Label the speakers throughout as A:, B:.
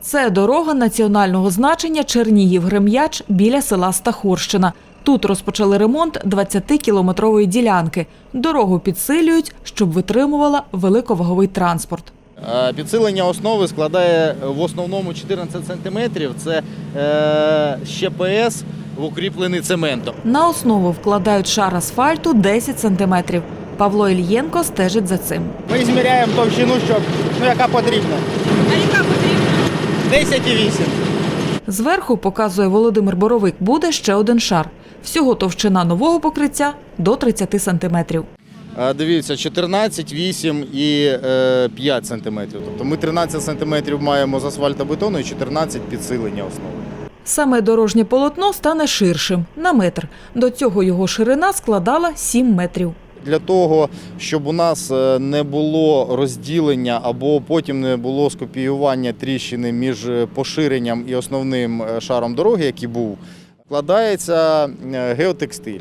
A: Це дорога національного значення Чернігів-Грем'яч біля села Стахурщина. Тут розпочали ремонт 20-кілометрової ділянки. Дорогу підсилюють, щоб витримувала великоваговий транспорт.
B: Підсилення основи складає в основному 14 сантиметрів. Це ЩПС, укріплений цементом.
A: На основу вкладають шар асфальту 10 сантиметрів. Павло Ільєнко стежить за цим.
C: Ми зміряємо товщину, яка потрібна.
D: А яка потрібна?
C: 10,8.
A: Зверху, показує Володимир Боровик, буде ще один шар. Всього товщина нового покриття до 30 сантиметрів.
B: Дивіться, 14, 8 і 5 сантиметрів. Тобто ми 13 сантиметрів маємо з асфальтобетону і 14 підсилення основи.
A: Саме дорожнє полотно стане ширшим – на метр. До цього його ширина складала 7 метрів.
B: Для того, щоб у нас не було розділення або потім не було скопіювання тріщини між поширенням і основним шаром дороги, який був, вкладається геотекстиль.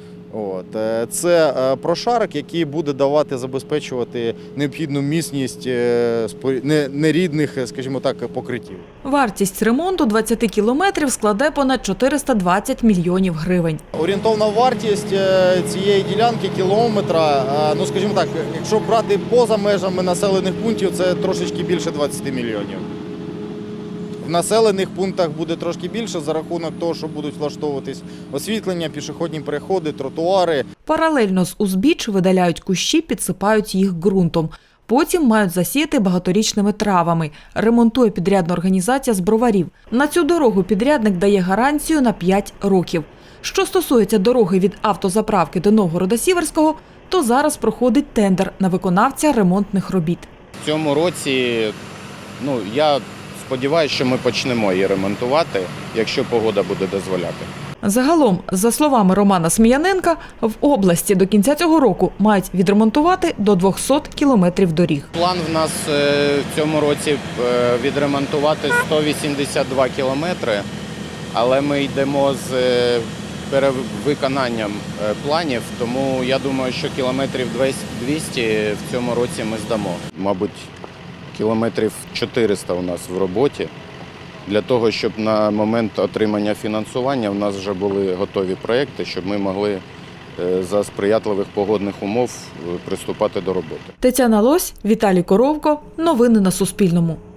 B: Це прошарок, який буде забезпечувати необхідну міцність нерідних, скажімо так, покриттів.
A: Вартість ремонту 20 кілометрів складе понад 420 мільйонів гривень.
B: Орієнтовна вартість цієї ділянки кілометра, скажімо так, якщо брати поза межами населених пунктів, це трошечки більше 20 мільйонів. В населених пунктах буде трошки більше за рахунок того, що будуть влаштовуватись освітлення, пішохідні переходи, тротуари.
A: Паралельно з узбіч видаляють кущі, підсипають їх ґрунтом. Потім мають засіяти багаторічними травами. Ремонтує підрядна організація з Броварів. На цю дорогу підрядник дає гарантію на 5 років. Що стосується дороги від автозаправки до Новгорода-Сіверського, то зараз проходить тендер на виконавця ремонтних робіт.
E: В цьому році, я сподіваюся, що ми почнемо її ремонтувати, якщо погода буде дозволяти.
A: Загалом, за словами Романа Сміяненка, в області до кінця цього року мають відремонтувати до 200 кілометрів доріг.
E: План в нас в цьому році відремонтувати 182 кілометри, але ми йдемо з перевиконанням планів, тому я думаю, що кілометрів 200 в цьому році ми здамо. Мабуть, кілометрів 400 у нас в роботі. Для того, щоб на момент отримання фінансування у нас вже були готові проекти, щоб ми могли за сприятливих погодних умов приступати до роботи.
A: Тетяна Лось, Віталій Коровко. Новини на Суспільному.